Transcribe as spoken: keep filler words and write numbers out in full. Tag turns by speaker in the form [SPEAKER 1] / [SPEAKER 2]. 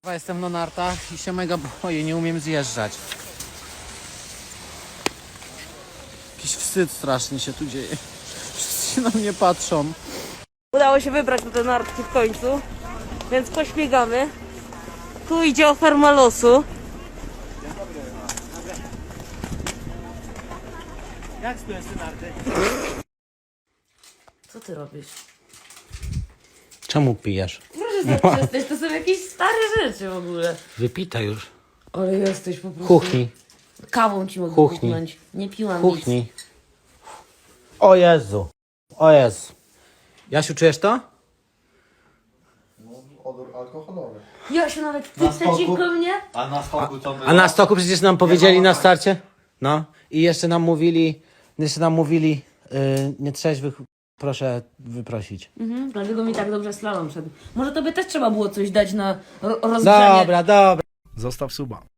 [SPEAKER 1] Jestem na nartach i się mega boję, nie umiem zjeżdżać. Jakiś wstyd strasznie się tu dzieje. Wszyscy się na mnie patrzą.
[SPEAKER 2] Udało się wybrać na te nartki w końcu, więc pośmigamy. Tu idzie oferma losu.
[SPEAKER 1] Jak stoją te narty?
[SPEAKER 2] Co ty robisz?
[SPEAKER 1] Czemu pijesz?
[SPEAKER 2] Proszę zaprzestać, to są jakieś stare rzeczy w ogóle.
[SPEAKER 1] Wypita już.
[SPEAKER 2] Ale jesteś po prostu...
[SPEAKER 1] Kuchni.
[SPEAKER 2] Kawą ci mogę
[SPEAKER 1] Kuchni.
[SPEAKER 2] kuchnąć. Nie piłam
[SPEAKER 1] Kuchni.
[SPEAKER 2] nic.
[SPEAKER 1] O Jezu. O Jezu. Jasiu, czujesz to?
[SPEAKER 3] Odór alkoholowy.
[SPEAKER 2] Ja się nawet ty
[SPEAKER 3] Na stoku?
[SPEAKER 2] przeciwko mnie?
[SPEAKER 3] A na stoku co było?
[SPEAKER 1] A na stoku przecież nam powiedzieli
[SPEAKER 3] mam
[SPEAKER 1] na
[SPEAKER 3] tak.
[SPEAKER 1] starcie. No. I jeszcze nam mówili, jeszcze nam mówili, yy, nietrzeźwych proszę wyprosić.
[SPEAKER 2] Mhm, dlatego mi tak dobrze slalom szedł. Może tobie też trzeba było coś dać na ro- rozgrzanie.
[SPEAKER 1] Dobra, dobra.
[SPEAKER 3] Zostaw suba.